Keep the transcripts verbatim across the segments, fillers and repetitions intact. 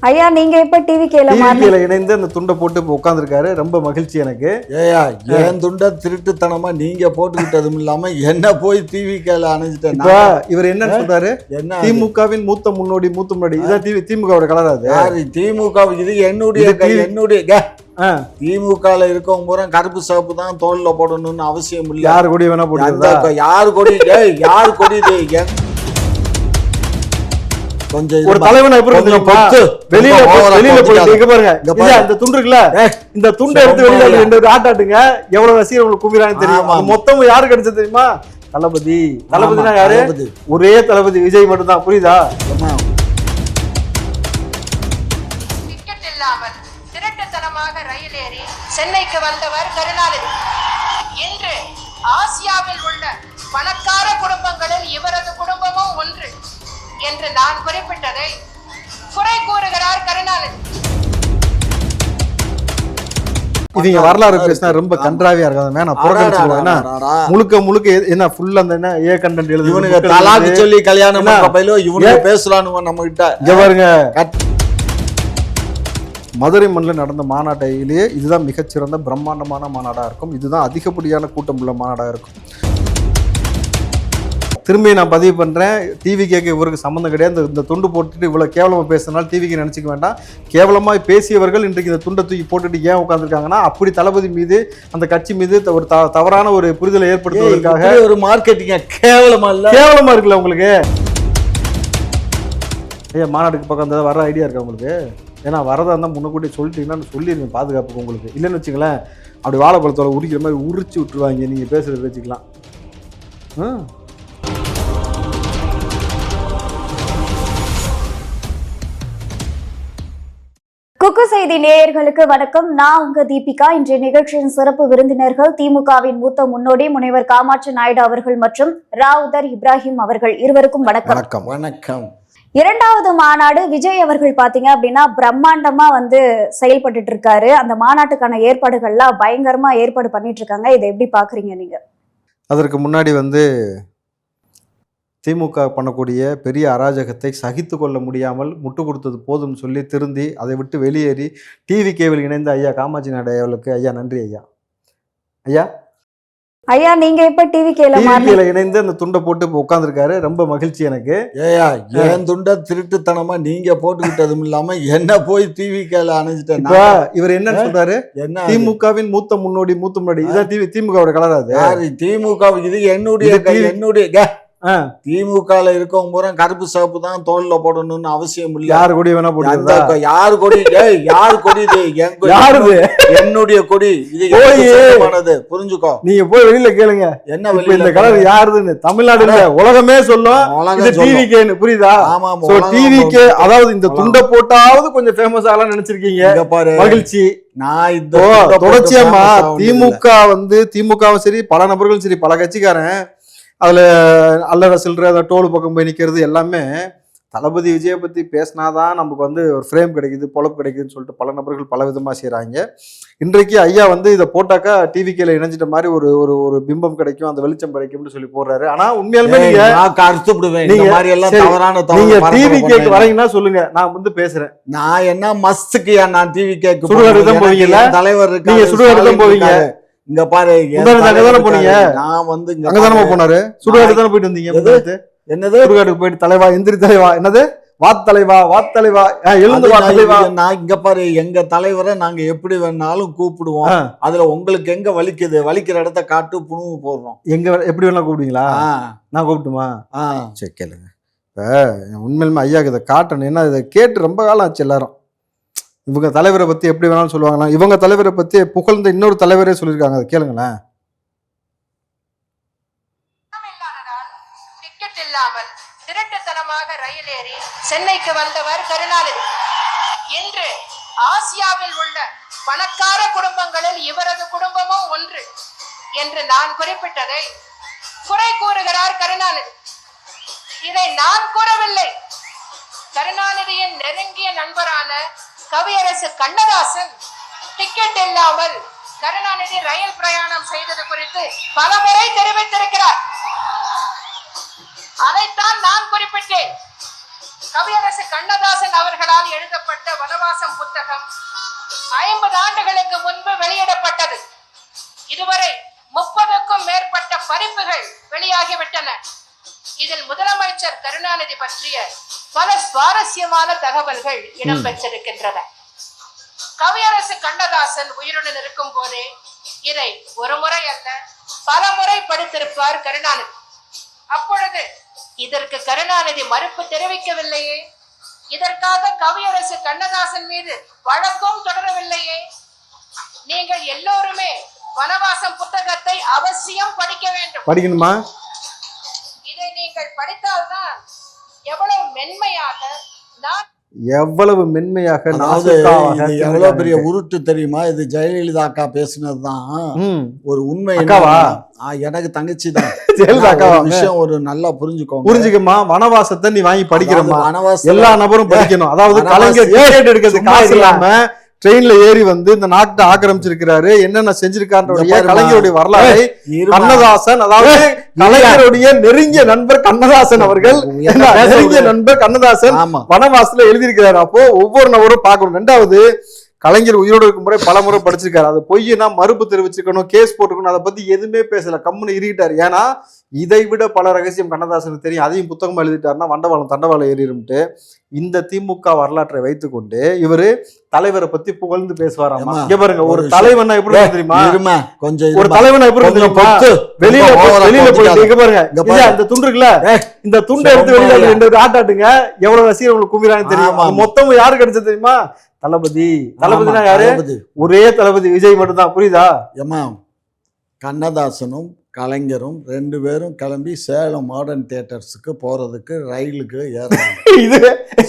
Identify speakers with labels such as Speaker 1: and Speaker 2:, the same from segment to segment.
Speaker 1: ஐயா நீங்க இப்ப டிவி கேல
Speaker 2: டிவில இணைந்து அந்த துண்டை போட்டு உட்கார்ந்துருக்காரு. ரொம்ப மகிழ்ச்சி எனக்கு.
Speaker 3: ஏயா என் துண்டை திருட்டுத்தனமா நீங்க போட்டுக்கிட்டதும் இல்லாம என்ன போய் டிவி கேல அணைஞ்சிட்டேன்.
Speaker 2: இவர் என்ன சொல்றாரு? என்ன திமுகவின் மூத்த முன்னோடி மூத்த முன்னாடி இதான் டிவி திமுகவோட கலர். அது
Speaker 3: யாரு திமுக? இது என்னுடைய என்னுடைய திமுகல இருக்கவங்க பூரா கருப்பு சிவப்பு தான் தோல்ல போடணும்னு அவசியம் இல்லை.
Speaker 2: யாரு கொடி வேணா போட்டு
Speaker 3: யாரு கொடி யாரு கொடி கொஞ்சம்
Speaker 2: ஒரு தலைவனை வெளியில வெளியில போயிட்டு பாருங்க. இந்த துண்டு இருக்குல்ல, இந்த துண்டை எடுத்து வெளியில ரெண்டு ஆட்டாட்டுங்க. எவ்வளவு ரசிகர் உங்களுக்கு கும்பிடுறாங்கன்னு தெரியும். மொத்தம் யாரு கிடைச்சது தெரியுமா? தளபதி. தளபதினா யாரு? ஒரே தளபதி விஜய் மட்டும் தான். புரியுதா?
Speaker 4: திருட்டுத்தனமாக ரயில் ஏறி சென்னைக்கு வந்தவர் கருணாநிதி. இன்று ஆசியாவில் உள்ள பணக்கார குடும்பங்களில் இவரது குடும்பமும் ஒன்று என்று நான் குறிப்பிட்டதை குறை கூறுகிறார் கருணாநிதி.
Speaker 2: இவங்க வரலாறு பேசினா ரொம்ப கன்றாவியா இருக்காது. நான் புறக்கணிச்சுடுவேன். முழுக்க முழுக்க என்ன ஃபுல் அந்த என்ன ஏ கண்டென்ட் எழுதி
Speaker 3: இவனுங்க தலாக்கு சொல்லி கல்யாணம் பையிலோ இவனுங்க பேசலான்னு நம்ம கிட்ட.
Speaker 2: இங்க பாருங்க, மதுரை மண்ணில் நடந்த மாநாட்டிலேயே இதுதான் மிகச்சிறந்த பிரம்மாண்டமான மாநாடாக இருக்கும். இதுதான் அதிகப்படியான கூட்டம் உள்ள மாநாடாக இருக்கும். திரும்பி நான் பதிவு பண்ணுறேன், டிவி கேட்க இவருக்கு சம்மந்தம் கிடையாது. இந்த துண்டு போட்டுட்டு இவ்வளோ கேவலமாக பேசுறதுனால டிவிக்கு நினச்சிக்க வேண்டாம். கேவலமாக பேசியவர்கள் இன்றைக்கு இந்த துண்டை தூக்கி போட்டுட்டு ஏன் உட்காந்துருக்காங்கன்னா, அப்படி தளபதி மீது அந்த கட்சி மீது ஒரு த தவறான ஒரு புரிதலை ஏற்படுத்துவதற்காக
Speaker 3: ஒரு மார்க்கெட்டிங்க. கேவலமா இல்லை?
Speaker 2: கேவலமாக இருக்குல்ல உங்களுக்கு? ஐயா மாநாட்டுக்கு பக்கம் அந்த வர ஐடியா இருக்கா உங்களுக்கு? ஏன்னா வரதா இருந்தால் முன்னக்கூட்டி சொல்லிட்டீங்கன்னா சொல்லிடுங்க பாதுகாப்புக்கு உங்களுக்கு. இல்லைன்னு வச்சுங்களேன், அப்படி வாழைப்பழத்தோட உரிக்கிற மாதிரி உரிச்சு விட்டுருவாங்க நீங்கள் பேசுகிறத வச்சுக்கலாம். ம்
Speaker 1: குக்கு செய்தி நேயர்களுக்கு வணக்கம். நான் உங்க தீபிகா. இன்றைய நிகழ்ச்சியின் சிறப்பு விருந்தினர்கள் திமுகவின் மூத்த முன்னோடி முனைவர் காமாட்சி நாயுடு அவர்கள் மற்றும் ராவுதர் இப்ராஹிம் அவர்கள். இருவருக்கும் வணக்கம்.
Speaker 3: வணக்கம் வணக்கம்.
Speaker 1: இரண்டாவது மாநாடு விஜய் அவர்கள் பாத்தீங்க அப்படின்னா பிரம்மாண்டமா வந்து செயல்பட்டு இருக்காரு. அந்த மாநாட்டுக்கான ஏற்பாடுகள்லாம் பயங்கரமா ஏற்பாடு பண்ணிட்டு இருக்காங்க. இதை எப்படி பாக்குறீங்க நீங்க?
Speaker 2: அதற்கு முன்னாடி வந்து திமுக பண்ணக்கூடிய பெரிய அராஜகத்தை சகித்து கொள்ள முடியாமல் முட்டு கொடுத்தது போதும் சொல்லி திருந்தி அதை விட்டு வெளியேறி டிவி கேவில் இணைந்த ஐயா காமாட்சி நாயுடு அவர்களுக்கு ஐயா நன்றி. ஐயா ஐயா
Speaker 1: ஐயா நீங்க இப்ப டிவி கேல
Speaker 2: இணைந்து அந்த துண்டை போட்டு உட்கார்ந்துருக்காரு. ரொம்ப மகிழ்ச்சி எனக்கு.
Speaker 3: ஏயா என் துண்டை திருட்டுத்தனமா நீங்க போட்டுக்கிட்டதும் இல்லாம என்ன போய் டிவி கேல அணைஞ்சிட்டேன்.
Speaker 2: இவர் என்ன சொல்றாரு? என்ன திமுகவின் மூத்த முன்னோடி மூத்த முன்னாடி இதான் டிவி திமுகவோட கலர். அது
Speaker 3: திமுக. இது என்னுடைய என்னுடைய திமுகல இருக்கவங்க பூரா கருப்பு சிவப்பு தான் தோல்ல போடணும்னு அவசியம் இல்லை.
Speaker 2: யாரு கொடி வேணா போட்டு
Speaker 3: யாரு கொடி யாரு கொடி
Speaker 2: யாரு
Speaker 3: என்னுடைய கொடி. இது புரிஞ்சுக்கோ.
Speaker 2: நீங்க போய் வெளியில கேளுங்க என்ன இந்த கலர் யாருன்னு. தமிழ்நாடு உலகமே சொல்லும் டிவிகேன்னு. புரியுதா?
Speaker 3: ஆமா
Speaker 2: டிவிகே. அதாவது இந்த துண்டை போட்டாவது கொஞ்சம் ஃபேமஸ் ஆகலாம் நினைச்சிருக்கீங்க. மகிழ்ச்சி.
Speaker 3: நான் இந்த
Speaker 2: தொடர்ச்சியாமா திமுக வந்து திமுகவும் சரி பல நபர்களும் சரி பல கட்சிக்காரன் அதில் அல்லற சில்லற அந்த டோல் பக்கம் போய் நிற்கிறது எல்லாமே தளபதி விஜயை பற்றி பேசினாதான் நமக்கு வந்து ஒரு ஃப்ரேம் கிடைக்குது, பொழப்பு கிடைக்குதுன்னு சொல்லிட்டு பல நபர்கள் பல விதமாக செய்கிறாங்க. இன்றைக்கு ஐயா வந்து இதை போட்டாக்கா டிவிக்கில் இணைஞ்சிட்ட மாதிரி ஒரு ஒரு ஒரு பிம்பம் கிடைக்கும், அந்த வெளிச்சம் கிடைக்கும்னு சொல்லி போடுறாரு. ஆனால் உண்மையாலுமே நீங்கள் டிவி கேக்கு வரீங்கன்னா சொல்லுங்க, நான் வந்து பேசுறேன்.
Speaker 3: நான் என்ன மஸ்துக்கு நான் டிவி கேக்கு
Speaker 2: சுடுகாடு தான் போவீங்களா?
Speaker 3: தலைவர்
Speaker 2: நீங்க சுடுகாடு தான் போவீங்க.
Speaker 3: இங்க பாரு,
Speaker 2: போனீங்க. நான் வந்து அங்கதானே போனாரு. சுடுகாடு தானே போயிட்டு வந்தீங்க. என்னது சுடுகாட்டுக்கு போயிட்டு தலைவா எந்திரி தலைவா என்னது வாத் தலைவா வாத் தலைவா எழுந்து வா தலைவா.
Speaker 3: நான் இங்க பாரு, எங்க தலைவரை நாங்க எப்படி வேணாலும் கூப்பிடுவோம். அதுல உங்களுக்கு எங்க வலிக்குது, வலிக்கிற இடத்த காட்டு புணுவு போடுறோம்.
Speaker 2: எங்க எப்படி வேணா கூப்பிடுவீங்களா? நான் கூப்பிட்டுமா? சரி கேளுங்க. இப்ப உண்மையிலுமே ஐயாக்கு இதை காட்டணும். ஏன்னா இதை கேட்டு ரொம்ப காலம் ஆச்சு. எல்லாரும் இவங்க தலைவரை பத்தி எப்படி வேணாலும் சொல்லுவாங்களா, இவங்க தலைவரை பத்தி புகழ்ந்த இன்னொரு தலைவரே சொல்லியிருக்காங்க. அதை கேளுங்களேன்.
Speaker 4: டிக்கெட் இல்லாமல் திருட்டுத்தனமாக ரயில் ஏறி சென்னைக்கு வந்தவர் கருணாநிதி. இன்று ஆசியாவில் உள்ள பணக்கார குடும்பங்களில் இவரது குடும்பமும் ஒன்று என்று நான் குறிப்பிட்டதை குறை கூறுகிறார் கருணாநிதி. இதை நான் கூறவில்லை. கருணாநிதியின் நெருங்கிய நண்பரான கவியரசு கண்ணதாசன் டிக்கெட் இல்லாமல் கருணாநிதி ரயில் பிரயாணம் செய்தது குறித்து பல முறை தெரிவித்திருக்கிறார். அதைத்தான் நான் குறிப்பிட்டேன். கவியரசு கண்ணதாசன் அவர்களால் எழுதப்பட்ட வனவாசம் புத்தகம் ஐம்பது ஆண்டுகளுக்கு முன்பு வெளியிடப்பட்டது. இதுவரை முப்பதுக்கும் மேற்பட்ட பதிப்புகள் வெளியாகிவிட்டன. இதில் முதலமைச்சர் கருணாநிதி பற்றிய பல சுவாரஸ்யமான தகவல்கள் இடம்பெற்றிருக்கின்றன. கவியரசு கண்ணதாசன் உயிருடன் இருக்கும் போதே இதை ஒரு முறை அல்ல பல முறை படித்திருப்பார் கருணாநிதி. அப்பொழுது இதற்கு கருணாநிதி மறுப்பு தெரிவிக்கவில்லையே. இதற்காக கவியரசு கண்ணதாசன் மீது வழக்கும் தொடரவில்லையே. நீங்கள் எல்லோருமே வனவாசம் புத்தகத்தை அவசியம் படிக்க வேண்டும்.
Speaker 2: படிக்கணுமா?
Speaker 4: இதை நீங்கள் படித்தால்தான் எவ்வளவு மென்மையாக நான்
Speaker 2: எவ்வளவு மென்மையாக
Speaker 3: எவ்வளவு பெரிய உருட்டு தெரியுமா? இது ஜெயலலிதா அக்கா பேசினதுதான் ஒரு உண்மை. எனக்கு தங்கச்சி தான் விஷயம் ஒரு நல்லா புரிஞ்சுக்கோங்க.
Speaker 2: புரிஞ்சுக்கமா, வனவாசத்தை நீ வாங்கி படிக்கிறமா, வனவாசம் எல்லா நபரும் படிக்கணும். அதாவது கலைஞர் டிக்கெட் எடுக்கிறது காசு இல்லாம ட்ரெயின்ல ஏறி வந்து இந்த நாட்டை ஆக்கிரமிச்சிருக்கிறாரு, என்னென்ன செஞ்சிருக்காருடைய கலைஞருடைய வரலாறு கண்ணதாசன், அதாவது கலைஞருடைய நெருங்கிய நண்பர் கண்ணதாசன் அவர்கள், நெருங்கிய நண்பர் கண்ணதாசன் வனவாசத்துல எழுதியிருக்கிறாரு. அப்போ ஒவ்வொரு நபரும் பார்க்கணும். ரெண்டாவது, கலைஞர் உயிரோடு இருக்கும் முறை பல முறை படிச்சிருக்காரு. அது பொய்னா மறுப்பு தெரிவிச்சிருக்கணும், கேஸ் போட்டுக்கணும். அதை பத்தி எதுவுமே பேசல, கம்முன்னு இருக்கிட்டாரு. ஏன்னா இதை விட பல ரகசியம் கண்ணதாசனுக்கு தெரியும். அதையும் புத்தகமா எழுதிட்டாருன்னா வண்டவாளம் தண்டவாளம் ஏறிடும்ட்டு இந்த திமுக வரலாற்றை வைத்துக்கொண்டு இவரு தலைவரை பத்தி புகழ்ந்து பேசுவாராமா. இங்க பாருங்க, ஒரு தலைவனா எப்படி தெரியுமா? கொஞ்சம் ஒரு தலைவனா எப்படி தெரியுமா? வெளியில வெளியில போயிட்டு இங்க பாருங்க, இந்த துண்டு இருக்குல்ல, இந்த துண்டை எடுத்து வெளியில ரெண்டு ஆட்டாட்டுங்க, எவ்வளவு ரசிகர் உங்களுக்கு கும்பிடுறாங்கன்னு தெரியும். மொத்தம் யாரு கிடைச்சது தெரியுமா? தளபதி. தளபதினா யாரு? ஒரே தளபதி விஜய் மட்டும் தான். புரியுதா? ஏமா,
Speaker 3: கண்ணதாசனும் கலைஞரும் ரெண்டு பேரும் கிளம்பி சேலம் மாடர்ன் தியேட்டர்ஸுக்கு போறதுக்கு ரயிலுக்கு ஏறாங்க. இது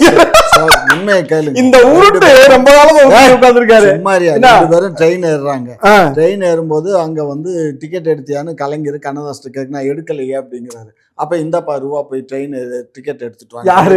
Speaker 3: உண்மையை கேளுங்க. இந்த உருட்டு ரொம்ப நாளா உட்கார்ந்திருக்காரு. ரெண்டு பேரும் ட்ரெயின் ஏறுறாங்க. ட்ரெயின் ஏறும்போது அங்க வந்து டிக்கெட் எடுத்தியான்னு கலைஞர் கண்ணதாசன் கேட்க, நான் எடுக்கலையே அப்படிங்கிறாரு. அப்ப இந்தப்பா ரூபா போய் ட்ரெயின் டிக்கெட் எடுத்துட்டு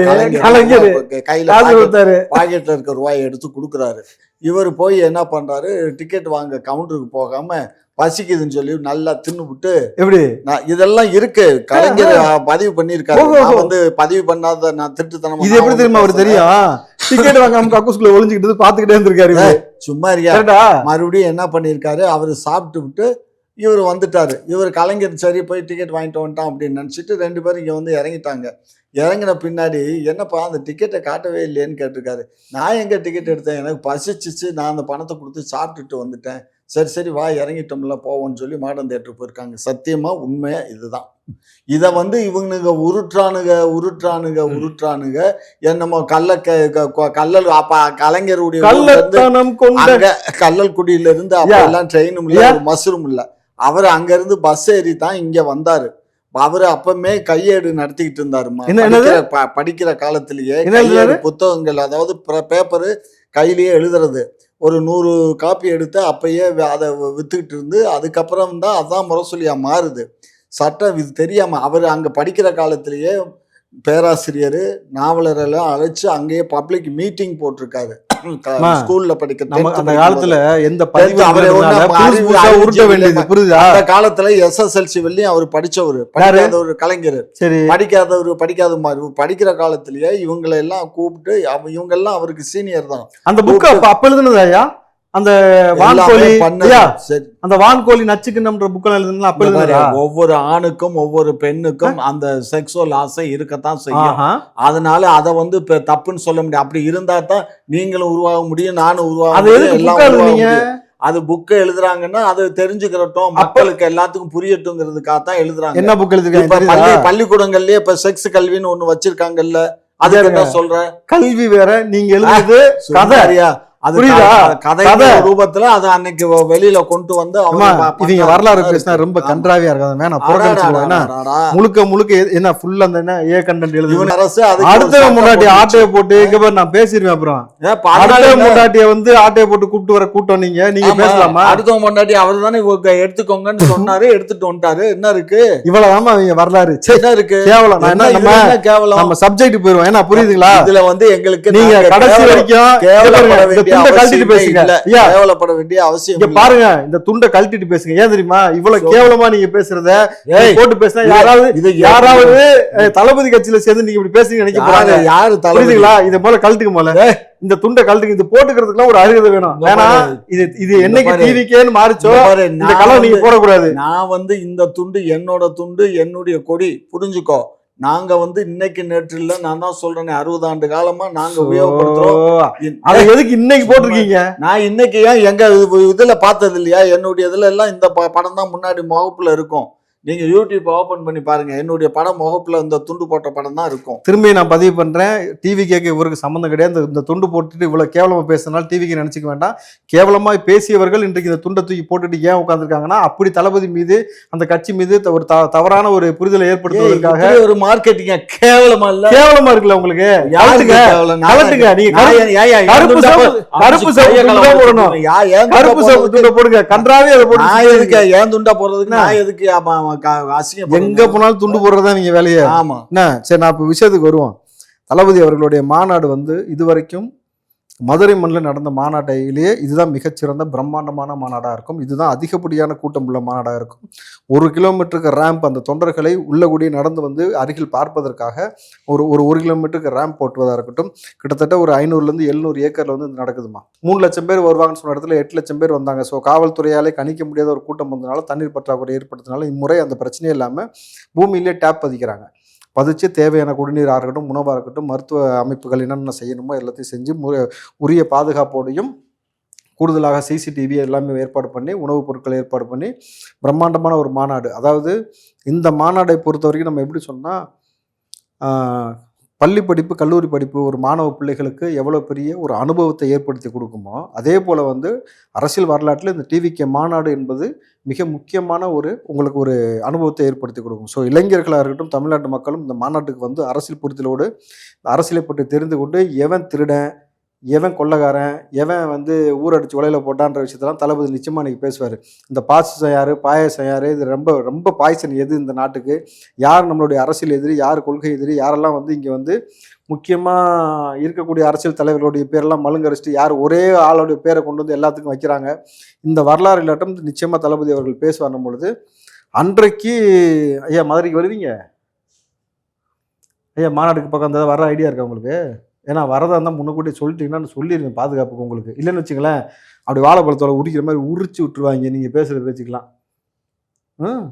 Speaker 3: வாங்க. கையில பாக்கெட்ல இருக்க ரூபாயை எடுத்து கொடுக்குறாரு. இவர் போய் என்ன பண்றாரு, டிக்கெட் வாங்க கவுண்டருக்கு போகாம பசிக்குதுன்னு சொல்லி நல்லா தின்னு விட்டு, எப்படி இதெல்லாம் இருக்கு கலைஞர் பதிவு பண்ணிருக்காரு. வந்து பதிவு பண்ணாத நான் திருட்டுத்தனமா. இது எப்படி தெரியுமா அவரு தெரியும்? டிக்கெட் வாங்காம கக்கூஸ்குள்ள ஒளிஞ்சுக்கிட்டு பாத்துக்கிட்டே இருந்திருக்காரு. சும்மா இருக்கியா? மறுபடியும் என்ன பண்ணிருக்காரு, அவரு சாப்பிட்டு விட்டு இவர் வந்துட்டாரு. இவர் கலைஞர் சரி போய் டிக்கெட் வாங்கிட்டு வந்துட்டான் அப்படின்னு நினைச்சிட்டு ரெண்டு பேரும் இங்க வந்து இறங்கிட்டாங்க. இறங்கின பின்னாடி என்னப்பா அந்த டிக்கெட்டை காட்டவே இல்லையேன்னு கேட்டிருக்காரு. நான் எங்க டிக்கெட் எடுத்தேன், எனக்கு பசிச்சிச்சு, நான் அந்த பணத்தை கொடுத்து சாப்பிட்டுட்டு வந்துட்டேன். சரி சரி வா இறங்கிட்டோம்ல போவோம்னு சொல்லி மாடர்ன் தியேட்டர் போயிருக்காங்க. சத்தியமா உண்மையா இதுதான். இதை வந்து இவனுங்க உருட்டுறானுங்க உருட்டுறானுங்க உருட்டுறானுங்க என்னமோ கள்ள கல்லல் அப்ப கலைஞருடைய கல்லல் குடியில இருந்து அப்ப எல்லாம் ட்ரெயினும் இல்ல மசரும் இல்ல. அவர் அங்க இருந்து பஸ் ஏறி தான் இங்க வந்தாரு. அவரு அப்பமே கையேடு நடத்திக்கிட்டு இருந்தாருமா. படிக்கிற காலத்திலேயே புத்தகங்கள், அதாவது பேப்பரு கையிலேயே எழுதுறது, ஒரு நூறு காப்பி எடுத்து அப்பயே அதை வித்துக்கிட்டு இருந்து அதுக்கப்புறம் தான் அதான் முரசொலியா மாறுது. சட்டம் இது தெரியாம அவர் அங்க படிக்கிற காலத்திலேயே பேராசிரியர் நாவலர் எல்லாம் அழைச்சு அங்கேயே பப்ளிக் மீட்டிங் போட்டிருக்காரு. ஸ்கூல்ல படிக்கிற அந்த காலத்துல எந்த அந்த காலத்துல எஸ்எஸ்எல்சி வரையும் அவர் படிச்சவரு, படிக்காத ஒரு கலைஞர். சரி, படிக்காதவரு படிக்காத மாதிரி படிக்கிற காலத்திலேயே இவங்களை எல்லாம் கூப்பிட்டு இவங்க எல்லாம் அவருக்கு சீனியர் தான். அந்த புக் அப்ப எழுதுனதா? அந்த வான்கோழி அந்த வான்கோழி நச்சுக்கின்ற புக்கள் எழுதுனா அப்ப எழுதுனா ஒவ்வொரு ஆணுக்கும் ஒவ்வொரு பெண்ணுக்கும் அந்த செக்ஸுவல் ஆசை இருக்கத்தான் செய்யும். அதனால அதை வந்து இப்ப தப்புன்னு சொல்ல முடியும். அப்படி இருந்தா தான் நீங்களும் உருவாக முடியும், நானும் உருவாக முடியும். அது புக்கை எழுதுறாங்கன்னா அது தெரிஞ்சுக்கிறட்டும், மக்களுக்கு எல்லாத்துக்கும் புரியட்டுங்கிறதுக்காக தான் எழுதுறாங்க. என்ன புக் எழுதுறாங்க? பள்ளிக்கூடங்கள்லயே இப்ப செக்ஸ் கல்வின்னு ஒண்ணு வச்சிருக்காங்கல்ல, அது என்ன சொல்ற? கல்வி வேற, நீங்க எழுதுறது கதை. அது கதை ரூபத்துல அது அன்னைக்கு வெளியில கொண்டு வந்து இவங்க வரலாறு பேசினா ரொம்ப கன்றாவியா இருக்காது. முழுக்க முழுக்க என்ன ஃபுல்லா அந்த ஏ கண்டென்ட் எழுது அரசு. அடுத்த முன்னாடி ஆட்டையை போட்டு இங்க பாரு நான் பேசிடுவேன். அப்புறம் அடுத்த முன்னாடிய வந்து ஆட்டையை போட்டு கூப்பிட்டு வர கூட்டம் நீங்க நீங்க பேசலாமா? அடுத்த முன்னாடி அவர் தானே எடுத்துக்கோங்கன்னு சொன்னாரு, எடுத்துட்டு வந்துட்டாரு. என்ன இருக்கு இவ்வளவுதான் அவங்க வரலாறு. என்ன இருக்கு கேவலம்? நம்ம சப்ஜெக்ட் போயிருவோம். ஏன்னா புரியுதுங்களா? இதுல வந்து எங்களுக்கு நீங்க கடைசி வரைக்கும் வேண்டிய
Speaker 2: துண்டை கழட்டிட்டு
Speaker 3: அவசியமே
Speaker 2: பேசுங்க
Speaker 3: இல்ல.
Speaker 2: ஐயா.
Speaker 3: கேவலப்பட வேண்டிய அவசியம்
Speaker 2: இங்க
Speaker 3: இல்ல.
Speaker 2: பாருங்க, இந்த துண்டை கழட்டிட்டு பேசுங்க. ஏன் தெரியுமா? இவ்வளவு
Speaker 3: சொல்லு.
Speaker 2: கேவலமா நீங்க பேசுறத
Speaker 3: ஏய்,
Speaker 2: போட்டு பேசினா
Speaker 3: இது-
Speaker 2: யாராவது
Speaker 3: இது
Speaker 2: யாராவது அஹ், தளபதி கட்சியில சேர்ந்து நீங்க இப்படி பேசுறீங்க நினைக்க போறாங்க.
Speaker 3: யாரு யாரு தளபதி?
Speaker 2: புரியுதுங்களா? இதை போல கழட்டுக்கு போல இந்த துண்டை கழட்டுக்கு. இது போட்டுக்கிறதுக்குலாம் ஒரு அருகதை வேணும்.
Speaker 3: இங்க
Speaker 2: ஏன்னா
Speaker 3: பாரு.
Speaker 2: இது இது
Speaker 3: இங்க
Speaker 2: என்னைக்கு
Speaker 3: பாரு.
Speaker 2: டிவிக்கேன்னு மாறிச்சோ
Speaker 3: இங்க பாரு,
Speaker 2: இந்த
Speaker 3: நான்
Speaker 2: கலர் நீங்க
Speaker 3: வந்து-
Speaker 2: போடக்கூடாது.
Speaker 3: நான் வந்து இந்த துண்டு என்னோட துண்டு, என்னுடைய கொடி, புரிஞ்சுக்கோ. நாங்க வந்து இன்னைக்கு நேற்று இல்ல, நான் தான் சொல்றேன், அறுபது ஆண்டு காலமா நாங்க உபயோகப்படுத்துறோம்.
Speaker 2: ஓ, அதை எதுக்கு இன்னைக்கு போட்டிருக்கீங்க?
Speaker 3: நான் இன்னைக்கு ஏன் எங்க இது- இதுல பார்த்தது இல்லையா? என்னுடைய இதுல எல்லாம் இந்த ப- படம் தான் முன்னாடி முகப்புல இருக்கும். நீங்க யூடியூப் ஓபன் பண்ணி பாருங்க, என்னுடைய படம் முகப்புல இந்த துண்டு போட்ட படம் தான் இருக்கும்.
Speaker 2: திரும்பி நான் பதிவு பண்றேன், டிவி கேட்க இவருக்கு சம்மந்தம் கிடையாது. இந்த- இந்த துண்டு போட்டுட்டு இவ்வளவு கேவலமா பேசினாலும் டிவிக்கு நினைச்சுக்க வேண்டாம். கேவலமா பேசியவர்கள் இன்றைக்கு இந்த துண்டை தூக்கி போட்டுட்டு ஏன் உட்காந்துருக்காங்கன்னா, அப்படி தளபதி மீது அந்த கட்சி மீது த- ஒரு த- தவறான ஒரு புரிதலை ஏற்படுத்துவதற்காக
Speaker 3: இப்படி ஒரு மார்க்கெட்டிங்க கேவலமா இல்ல?
Speaker 2: கேவலமா இருக்குல்ல உங்களுக்கு?
Speaker 3: யாருக்கு
Speaker 2: கழட்டுங்க,
Speaker 3: கேவலம்? நான்
Speaker 2: கழட்டுங்க. நீங்க
Speaker 3: நான்
Speaker 2: கருப்பு-
Speaker 3: ஏன் ஏன் ஏன்
Speaker 2: கருப்பு
Speaker 3: துண்டை
Speaker 2: சிவப்பு-
Speaker 3: போ-
Speaker 2: கருப்பு
Speaker 3: அடிச்சு
Speaker 2: சிவப்பு
Speaker 3: கையை
Speaker 2: துண்டை
Speaker 3: கலவரம்
Speaker 2: போடணும்.
Speaker 3: யா- ஏன் துண்டை
Speaker 2: கருப்பு சிவப்பு
Speaker 3: போடுறதுக்கு?
Speaker 2: துண்டை போடுங்க. கன்றாவே அதை போட்டு
Speaker 3: நான் எதுக்கு ஏன் துண்டா போடுறதுக்கு? நான் எதுக்கு அப்ப அவன் க- அசிங்கம்
Speaker 2: எங்க போனாலும் துண்டு போடுறதா நீங்க வேலையை.
Speaker 3: ஆமா.
Speaker 2: என்ன சரி, நான் இப்போ விஷயத்துக்கு வருவோம். தளபதி அவர்களுடைய மாநாடு வந்து இதுவரைக்கும் மதுரை மண்ணில் நடந்த மாநாட்டிலேயே இதுதான் மிகச்சிறந்த பிரம்மாண்டமான மாநாடாக இருக்கும். இதுதான் அதிகப்படியான கூட்டம் உள்ள மாநாடாக இருக்கும். ஒரு கிலோமீட்டருக்கு ரேம்ப், அந்த தொண்டர்களை உள்ள கூடிய நடந்து வந்து அருகில் பார்ப்பதற்காக ஒரு ஒரு ஒரு கிலோமீட்டருக்கு ரேம்ப் போட்டுவதாக இருக்கட்டும். கிட்டத்தட்ட ஒரு ஐநூறுலேருந்து எழுநூறு ஏக்கரில் வந்து இது நடக்குதுமா. மூணு லட்சம் பேர் வருவாங்கன்னு சொன்ன இடத்துல எட்டு லட்சம் பேர் வந்தாங்க. ஸோ காவல்துறையாலே கணிக்க முடியாத ஒரு கூட்டம் வந்ததுனால, தண்ணீர் பற்றாக்குறை ஏற்படுத்தினால இம்முறை அந்த பிரச்சனையே இல்லாமல் பூமியிலே டேப் பதிக்கிறாங்க. பதிச்சு தேவையான குடிநீராக இருக்கட்டும், உணவாக இருக்கட்டும், மருத்துவ அமைப்புகள் என்னென்ன செய்யணுமோ எல்லாத்தையும் செஞ்சு மு உரிய பாதுகாப்போடையும் கூடுதலாக சிசிடிவி எல்லாமே ஏற்பாடு பண்ணி, உணவுப் பொருட்களை ஏற்பாடு பண்ணி பிரம்மாண்டமான ஒரு மாநாடு. அதாவது இந்த மாநாடை பொறுத்த வரைக்கும் நம்ம எப்படி சொன்னால், பள்ளி படிப்பு, கல்லூரி படிப்பு ஒரு மாணவ பிள்ளைகளுக்கு எவ்வளோ பெரிய ஒரு அனுபவத்தை ஏற்படுத்தி கொடுக்குமோ, அதே போல் வந்து அரசியல் வரலாற்றில் இந்த டிவிகே மாநாடு என்பது மிக முக்கியமான ஒரு உங்களுக்கு ஒரு அனுபவத்தை ஏற்படுத்தி கொடுக்கும். ஸோ இளைஞர்களாக இருக்கட்டும், தமிழ்நாட்டு மக்களும் இந்த மாநாட்டுக்கு வந்து அரசியல் புரிதலோடு அரசியலை பற்றி தெரிந்து கொண்டு, எவன் திருடன், எவன் கொள்ளக்காரன், எவன் வந்து ஊரடிச்சு உலையில போட்டான்ற விஷயத்தெல்லாம் தளபதி நிச்சயமாக இன்றைக்கி பேசுவார். இந்த பாசம் யார், பாயசம் யார், இது ரொம்ப ரொம்ப பாய்சன் எது இந்த நாட்டுக்கு, யார் நம்மளுடைய அரசியல் எதிரி, யார் கொள்கை எதிரி, யாரெல்லாம் வந்து இங்கே வந்து முக்கியமாக இருக்கக்கூடிய அரசியல் தலைவர்களுடைய பேரெல்லாம் மழுங்கரிச்சிட்டு யார் ஒரே ஆளுடைய பேரை கொண்டு வந்து எல்லாத்துக்கும் வைக்கிறாங்க. இந்த வரலாறு இல்லாட்டம் நிச்சயமாக தளபதி அவர்கள் பேசுவார் பொழுது, அன்றைக்கு ஐயா மதுரைக்கு வருவீங்க ஐயா, மாநாட்டுக்கு பக்கம் அந்த வர ஐடியா இருக்கா உங்களுக்கு? ஏன்னா வரதா இருந்தால் முன்னக்கூட்டி சொல்லிட்டீங்கன்னா சொல்லிடுங்க பாதுகாப்புக்கு உங்களுக்கு. இல்லைன்னு வச்சுங்களேன், அப்படி வாழைப்பழத்தோட உரிக்கிற மாதிரி உரிச்சு விட்டுருவாங்க நீங்கள் பேசுகிற பேச்சுக்கலாம். ம்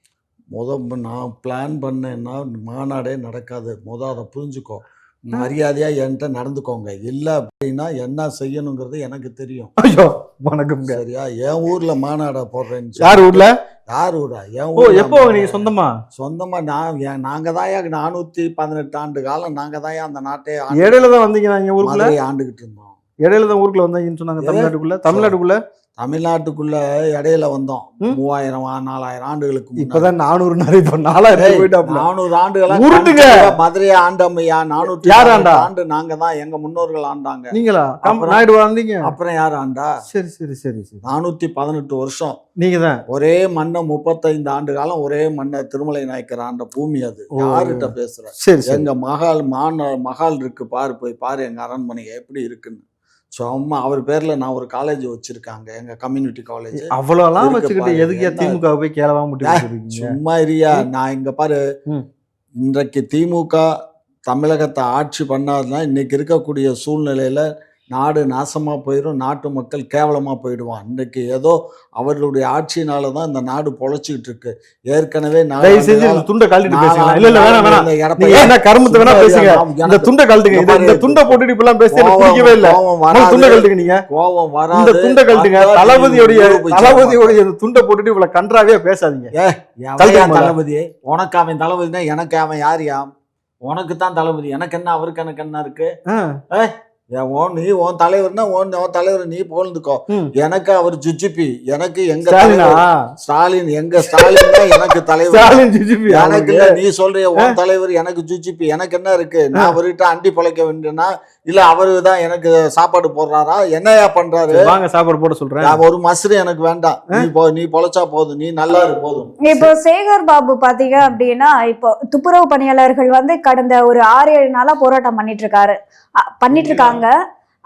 Speaker 3: முத நான் பிளான் பண்ணேன்னா மாநாடே நடக்காது. முத அதை புரிஞ்சுக்கோ. மரியாதையா என்கிட்ட நடந்துக்கோங்க. இல்லை அப்படின்னா என்ன செய்யணுங்கிறது எனக்கு தெரியும்.
Speaker 2: ஐயோ வணக்கம்.
Speaker 3: சரியா? என் ஊர்ல மாநாட போடுறேன்னு
Speaker 2: யார் ஊர்ல?
Speaker 3: யார் ஊரா? என்
Speaker 2: ஓ,
Speaker 3: ஊர்.
Speaker 2: எப்போ நீங்க சொந்தமா?
Speaker 3: சொந்தமா நான் ஏன் நாங்க தான் நானூத்தி பதினெட்டு ஆண்டு காலம் நாங்க தான் அந்த நாட்டை
Speaker 2: இடையில தான் வந்தீங்க இங்க ஊருக்குள்ள?
Speaker 3: மதுரையை ஆண்டுகிட்டு இருந்தோம்.
Speaker 2: இடையில தான் ஊருக்குள்ள வந்தீங்கன்னு சொன்னாங்க.
Speaker 3: எது?
Speaker 2: தமிழ்நாட்டுக்குள்ள தமிழ்நாட்டுக்குள்ள
Speaker 3: தமிழ்நாட்டுக்குள்ள இடையில வந்தோம்.
Speaker 2: ம்.
Speaker 3: மூவாயிரம் நாலாயிரம் ஆண்டுகளுக்கு முன்னாடி.
Speaker 2: இப்பதான் நானூறு நிறைய இப்ப நாலாயிரம் போயிட்டாப்ல.
Speaker 3: நானூறு ஆண்டுகளா
Speaker 2: உருட்டுங்க.
Speaker 3: மதுரையை ஆண்டமையா? நானூற்றி
Speaker 2: யார் ஆண்டா?
Speaker 3: ஆண்டு நாங்க தான், எங்க முன்னோர்கள் ஆண்டாங்க.
Speaker 2: நீங்களா?
Speaker 3: அப்புறம்
Speaker 2: நாயுடு வந்தீங்க?
Speaker 3: அப்புறம் யார் ஆண்டா?
Speaker 2: சரி சரி சரி சரி.
Speaker 3: நானூத்தி பதினெட்டு வருஷம்
Speaker 2: நீங்க தான்
Speaker 3: ஒரே மண்ணை முப்பத்தைந்து ஆண்டு காலம் ஒரே மண்ணை திருமலை நாயக்கர் ஆண்ட பூமி அது.
Speaker 2: ஓ.
Speaker 3: யாருகிட்ட பேசுற?
Speaker 2: சரி சரி.
Speaker 3: எங்க மகால் மான மகால் இருக்கு பாரு, போய் பாரு எங்க அரண்மனை எப்படி இருக்குன்னு. சும்மா அவர் பேர்ல நான் ஒரு காலேஜ் வச்சிருக்காங்க, எங்க கம்யூனிட்டி காலேஜ்.
Speaker 2: அவ்வளவுலாம்
Speaker 3: இருக்கு
Speaker 2: வச்சுக்கிட்டு
Speaker 3: பாரு.
Speaker 2: எதுக்கு
Speaker 3: என்ன?
Speaker 2: திமுக போய் கேளவா முட்டி வச்சிருக்கீங்க?
Speaker 3: சும்மா இரியா. நான் இங்க பாரு,
Speaker 2: ம்.
Speaker 3: இன்றைக்கு திமுக தமிழகத்தை ஆட்சி பண்ணாதுன்னா இன்னைக்கு இருக்கக்கூடிய சூழ்நிலையில நாடு நாசமா போயிடும், நாட்டு மக்கள் கேவலமா போயிடுவான். இன்னைக்கு ஏதோ அவர்களுடைய ஆட்சியினால தான் இந்த நாடு பொழைச்சிக்கிட்டு இருக்கு. ஏற்கனவே
Speaker 2: தயவு செஞ்சு இந்த துண்டை கழட்டிட்டு பேசுங்க. இல்ல இல்ல வேணாம் வேணாம். நீங்க என்ன கருமத்தை வேணா பேசுங்க. இந்த துண்டை கழட்டுங்க. இந்த- இந்த துண்டை போட்டுட்டு இப்பெல்லாம் பேசி எனக்கு பிடிக்கவே இல்ல. முதல்ல துண்டை கழட்டுங்க. நீங்க
Speaker 3: கோவம்
Speaker 2: இந்த
Speaker 3: வராது.
Speaker 2: துண்டை கழட்டுங்க. தளபதியோடைய தளபதியோடைய இந்த துண்டை போட்டுட்டு இவ்வளவு கன்றாவே பேசாதீங்க.
Speaker 3: எவன்யா தளபதி? உனக்கு அவன் தளபதினா எனக்கு அவன் யாரியா? உனக்கு தான் தளபதி, எனக்கு என்ன அவருக்கு எனக்கு என்ன இருக்கு?
Speaker 2: ஆ.
Speaker 3: ஏன் ஓன் நீ உன் தலைவர்னா ஓன் உன் தலைவர் நீ போழ்ந்துக்கோ.
Speaker 2: ம்.
Speaker 3: எனக்கு அவர் ஜுஜிபி, எனக்கு எங்க
Speaker 2: ஸ்டாலினா?
Speaker 3: தலைவர் ஸ்டாலின், எங்க ஸ்டாலின் தான் எனக்கு தலைவர்.
Speaker 2: ஸ்டாலின் ஜிஜிபி
Speaker 3: எனக்கு இல்ல, நீ சொல்றிய உன் தலைவர் எனக்கு ஜுஜிபி, எனக்கு என்ன இருக்கு? நான் அவர்கிட்ட அண்டி பொழைக்க வேண்டியனா இல்ல அவரு தான் எனக்கு சாப்பாடு போடுறாரா? என்னையா பண்றாரு?
Speaker 2: வாங்க சாப்பாடு போட சொல்றேன்.
Speaker 3: நான் ஒரு மசுரு எனக்கு வேண்டாம். நீ போ, நீ பொழைச்சா போதும், நீ நல்லா இரு போதும்.
Speaker 1: இப்போ சேகர் பாபு பாத்தீங்க அப்படின்னா, இப்போ துப்புரவு பணியாளர்கள் வந்து கடந்த ஒரு ஆறு ஏழு நாளா போராட்டம் பண்ணிட்டு இருக்காரு அ- பண்ணிட்டு இருக்காங்க.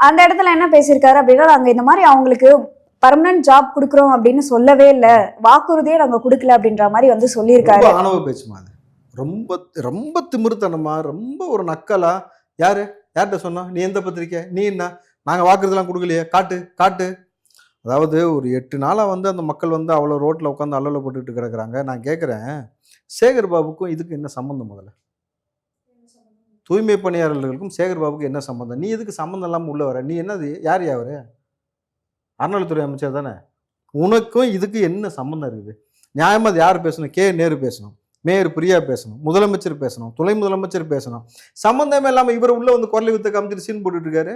Speaker 1: அந்த இடத்துல என்ன பேசியிருக்காரு அப்படின்னா, நாங்க இந்த மாதிரி அவங்களுக்கு பர்மனன்ட் ஜாப் கொடுக்குறோம் அப்படின்னு சொல்லவே இல்ல, வாக்குறுதியே நாங்க கொடுக்கல அப்படின்ற மாதிரி வந்து சொல்லியிருக்காரு.
Speaker 2: ரொம்ப ஆணவ பேச்சுமா அது, ரொம்ப ரொம்ப திமிருத்தனமா, ரொம்ப ஒரு நக்கலா. யாரு யார்கிட்ட சொன்னா, நீ எந்த பத்திரிக்கை, நீ என்ன, நாங்க வாக்குறுதிலாம் கொடுக்கலையே, காட்டு காட்டு. அதாவது ஒரு எட்டு நாளா வந்து அந்த மக்கள் வந்து அவ்வளோ ரோட்ல உட்காந்து அல்லல போட்டுக்கிட்டு கிடக்குறாங்க. நான் கேட்குறேன், சேகர் பாபுக்கும் இதுக்கு என்ன சம்மந்தம்? முதல்ல தூய்மை பணியாளர்களுக்கும் சேகர் பாபுக்கும் என்ன சம்மந்தம்? நீ எதுக்கு சம்மந்தம் இல்லாமல் உள்ள வர? நீ என்னது, யார் யாரு? அறநிலைத்துறை அமைச்சர் தானே. உனக்கும் இதுக்கு என்ன சம்மந்தம் இருக்குது? நியாயமா அது யார் பேசணும்? கே நேரு பேசணும், மேயர் பிரியா பேசணும், முதலமைச்சர் பேசணும், துணை முதலமைச்சர் பேசணும். சம்மந்தமே இல்லாம இவர் உள்ள வந்து குரலை வித்த காமிச்சிட்டு சீன் போட்டுட்டு இருக்காரு.